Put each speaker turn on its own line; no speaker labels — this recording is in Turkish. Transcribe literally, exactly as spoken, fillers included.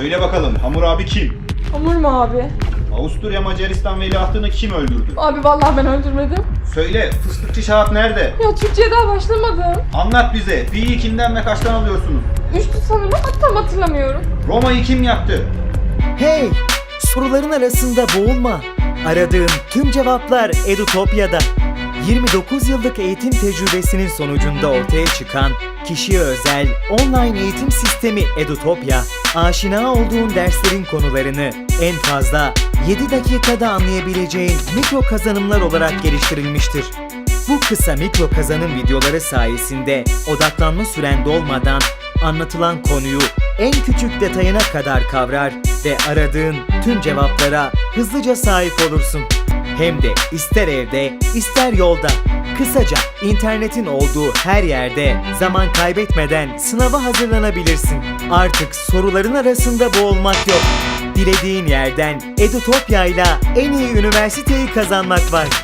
Söyle bakalım, Hamur abi kim?
Hamur mu abi?
Avusturya Macaristan veliahtını kim öldürdü?
Abi vallahi ben öldürmedim.
Söyle, fıstıkçı Şahap nerede?
Ya Türkçe'ye daha başlamadım.
Anlat bize, pi'yi kimden ve kaçtan alıyorsunuz?
Üçtü sanırım, hatta hatırlamıyorum.
Roma'yı kim yaktı?
Hey! Soruların arasında boğulma. Aradığın tüm cevaplar Edutopya'da. yirmi dokuz yıllık eğitim tecrübesinin sonucunda ortaya çıkan kişiye özel online eğitim sistemi Edutopya, aşina olduğun derslerin konularını en fazla yedi dakikada anlayabileceğin mikro kazanımlar olarak geliştirilmiştir. Bu kısa mikro kazanım videoları sayesinde odaklanma süren dolmadan anlatılan konuyu en küçük detayına kadar kavrar ve aradığın tüm cevaplara hızlıca sahip olursun. Hem de ister evde, ister yolda. Kısaca internetin olduğu her yerde zaman kaybetmeden sınava hazırlanabilirsin. Artık soruların arasında boğulmak yok. Dilediğin yerden Edutopya ile en iyi üniversiteyi kazanmak var.